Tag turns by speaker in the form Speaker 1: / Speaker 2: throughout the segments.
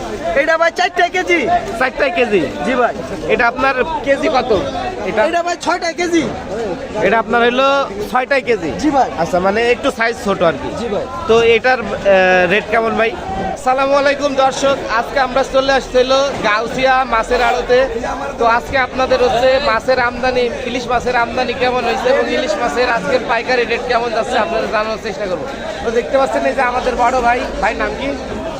Speaker 1: এটা ভাই 4টা কেজি।
Speaker 2: 4টা কেজি।
Speaker 1: জি ভাই।
Speaker 2: এটা আপনার কেজি কত?
Speaker 1: এটা ভাই 6টা কেজি।
Speaker 2: এটা আপনার হলো 6টা কেজি।
Speaker 1: জি ভাই।
Speaker 2: আচ্ছা, মানে একটু সাইজ ছোট আর কি।
Speaker 1: জি ভাই।
Speaker 2: তো এটার রেট কেমন ভাই? আসসালামু আলাইকুম দর্শক, আজকে আমরা চলে আসছিল গাউসিয়া মাছের আড়তে। তো আজকে আপনাদের হচ্ছে মাছের আমদানি, ইলিশ মাছের আমদানি কেমন হয়েছে এবং ইলিশ মাছের আজকের পাইকারি রেট কেমন যাচ্ছে আপনাদের জানানোর চেষ্টা করবো। তো দেখতে পাচ্ছেন এই যে আমাদের বড় ভাই, নাম কি?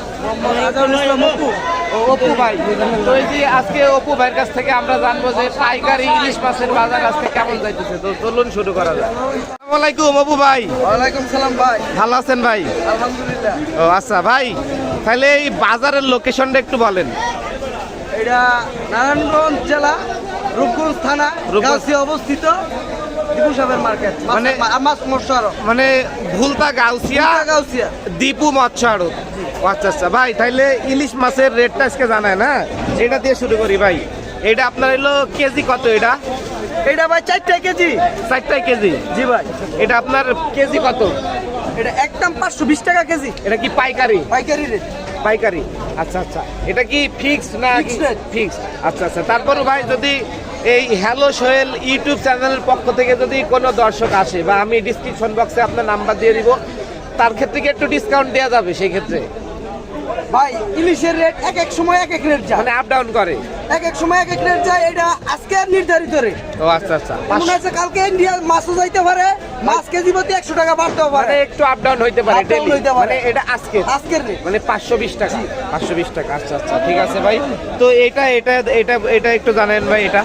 Speaker 2: অপু ভাই। তো এই যে আজকে অপু ভাইয়ের কাছ থেকে আমরা জানবো যে পাইকারি ইলিশ মাছের বাজার আজকে কেমন যাইতেছে। তো চলুন শুরু করা যায়। আসসালামু আলাইকুম অপু ভাই।
Speaker 1: ওয়ালাইকুম সালাম ভাই।
Speaker 2: ভালো আছেন ভাই?
Speaker 1: আলহামদুলিল্লাহ।
Speaker 2: ও আচ্ছা ভাই, তাহলে এই বাজারের লোকেশনটা একটু বলেন।
Speaker 1: এটা নারায়ণগঞ্জ জেলা রূপগঞ্জ থানা, গাউসিয়া অবস্থিত। দীপু সাহেবের মার্কেট,
Speaker 2: মানে
Speaker 1: মাছ মৎস্য আড়ত।
Speaker 2: মানে ভুলতা গাউসিয়া,
Speaker 1: গাউসিয়া
Speaker 2: দীপু মৎস্য আড়ত। আচ্ছা আচ্ছা ভাই, তাইলে ইলিশ মাছের রেটটা আজকে জানায় না, এটা দিয়ে শুরু করি ভাই। এটা আপনার হলো কেজি কত?
Speaker 1: এটা ভাই 4টা কেজি।
Speaker 2: 4টা কেজি।
Speaker 1: জি ভাই।
Speaker 2: এটা আপনার কেজি কত?
Speaker 1: এটা একদম 520 টাকা কেজি।
Speaker 2: এটা কি পাইকারি?
Speaker 1: পাইকারি রেট।
Speaker 2: পাইকারি। আচ্ছা আচ্ছা, এটা কি ফিক্স না?
Speaker 1: Fixed rate।
Speaker 2: ফিক্স। আচ্ছা আচ্ছা, তারপরও ভাই যদি এই হ্যালো সোহেল ইউটিউব চ্যানেলের পক্ষ থেকে যদি কোনো দর্শক আসে, বা আমি ডিসক্রিপশন বক্সে আপনার নাম্বার দিয়ে দিব, তার ক্ষেত্রে কি একটু ডিসকাউন্ট দেওয়া যাবে সেই ক্ষেত্রে?
Speaker 1: ভাই ইলিশের রেট এক এক সময় এক এক রেট যায়,
Speaker 2: মানে আপ ডাউন করে।
Speaker 1: এক এক সময় এক এক রেট যায়। এটা আজকে আর নির্ধারিত রেট।
Speaker 2: ও আচ্ছা আচ্ছা,
Speaker 1: মনে আছে কালকে ইন্ডিয়া মাছও যাইতে পারে, মাছ কেজি প্রতি 100 টাকা বাড়তেও
Speaker 2: মানে
Speaker 1: পারে।
Speaker 2: একটু আপ ডাউন হইতে পারে,
Speaker 1: Up down
Speaker 2: daily।
Speaker 1: হইতে পারে।
Speaker 2: মানে এটা
Speaker 1: আজকের রেট
Speaker 2: মানে 520 টাকা। 520 টাকা। আচ্ছা আচ্ছা, ঠিক আছে ভাই। তো এটা এটা এটা এটা একটু জানেন ভাই, এটা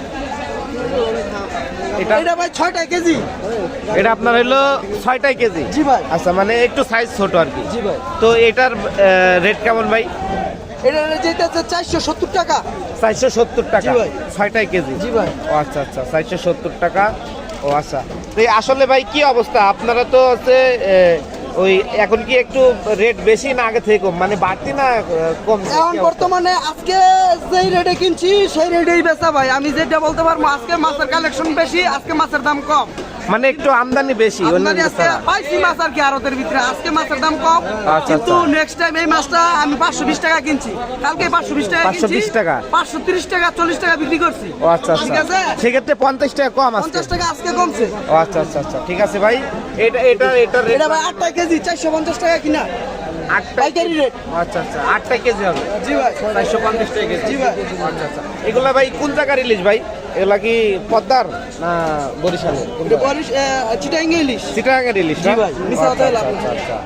Speaker 1: এটা ভাই 6টা কেজি।
Speaker 2: এটা আপনার হলো 6টা কেজি।
Speaker 1: জি ভাই।
Speaker 2: আচ্ছা, মানে একটু সাইজ ছোট আর কি।
Speaker 1: জি ভাই।
Speaker 2: তো এটার রেট কেমন ভাই?
Speaker 1: এটা যেটা 470 টাকা।
Speaker 2: 470 টাকা।
Speaker 1: জি ভাই।
Speaker 2: 6টা কেজি।
Speaker 1: জি ভাই।
Speaker 2: ও আচ্ছা আচ্ছা, 470 টাকা। ও আচ্ছা, তো এই আসলে ভাই কি অবস্থা আপনারা তো হচ্ছে ওই এখন কি একটু রেট বেশি না আগে থেকে কম, মানে বাড়তি না কম?
Speaker 1: এখন বর্তমানে আজকে যেই রেটে কিনছি সেই রেটেই বেচা ভাই। আমি যেটা বলতে পারবো, আজকে মাছের কালেকশন বেশি, আজকে মাছের দাম কম।
Speaker 2: মানে একটু আমদানি বেশি।
Speaker 1: আমদানি আজকে পাইছি মাছ আর কি আড়তের ভিতরে, আজকে মাছের দাম কম।
Speaker 2: আচ্ছা,
Speaker 1: কিন্তু
Speaker 2: আচ্ছা।
Speaker 1: নেক্সট টাইম এই মাছটা আমি 520 টাকা কিনছি, কালকে 520 টাকা কিনছি।
Speaker 2: 520 টাকা?
Speaker 1: 530 টাকা 40 টাকা বিক্রি করছি।
Speaker 2: ও আচ্ছা
Speaker 1: ঠিক
Speaker 2: আচ্ছা,
Speaker 1: আছে।
Speaker 2: সেক্ষেত্রে 50 টাকা কম আছে।
Speaker 1: 50 টাকা আজকে কমছে।
Speaker 2: ও আচ্ছা আচ্ছা আচ্ছা, ঠিক আছে ভাই। এটা এটা এটা রেট
Speaker 1: এটা ভাই 8টা কেজি 450 টাকা কিনা।
Speaker 2: 8টা
Speaker 1: পাইকারি রেট।
Speaker 2: আচ্ছা আচ্ছা, 8টা কেজি হবে।
Speaker 1: জি ভাই।
Speaker 2: 450 টাকা কেজি।
Speaker 1: জি ভাই।
Speaker 2: আচ্ছা আচ্ছা, এগুলা ভাই কোন জায়গার ইলিশ ভাই? এগুলা কি পদ্মার না বরিশালের?
Speaker 1: এটা বরিশ চিটাং ইলিশ।
Speaker 2: চিটাগাঙ্গের ইলিশ
Speaker 1: জি
Speaker 2: না?
Speaker 1: ভাই, মিশা হতে হলো আপনার।
Speaker 2: আচ্ছা।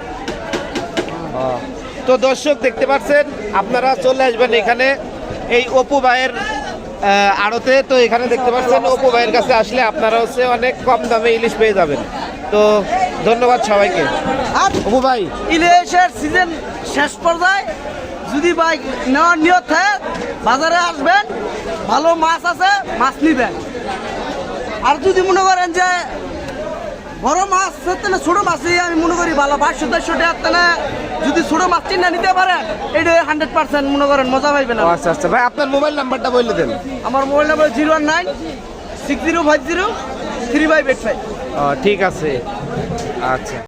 Speaker 2: তো দর্শক দেখতে পাচ্ছেন, আপনারা চলে আসবেন এখানে এই অপু ভাইয়ের আড়তে। তো এখানে দেখতে পাচ্ছেন অপু ভাইয়ের কাছে আসলে আপনারা হচ্ছে অনেক কম দামে ইলিশ পেয়ে যাবেন। তো ধন্যবাদ সবাইকে।
Speaker 1: আর
Speaker 2: অপু ভাই,
Speaker 1: ইলিশের সিজন শেষ পর্যায়ে যদি ভাই নেওয়ার নিয়ত থাকে বাজারে আসবেন, ভালো মাছ আছে, মাছ নিবেন। আর যদি মনে করেন যে বড় মাছ না ছোট মাছই আমি মনে করি ভালো, 500-400 টাকা যদি ছোট মাছ চিন্তা নিতে পারেন, এটা 100% মনে করেন মজা পাইবেন।
Speaker 2: ও আচ্ছা আচ্ছা ভাই, আপনার মোবাইল নাম্বারটা বলে দেন।
Speaker 1: আমার মোবাইল নাম্বার 01960503585।
Speaker 2: ঠিক আছে। আচ্ছা।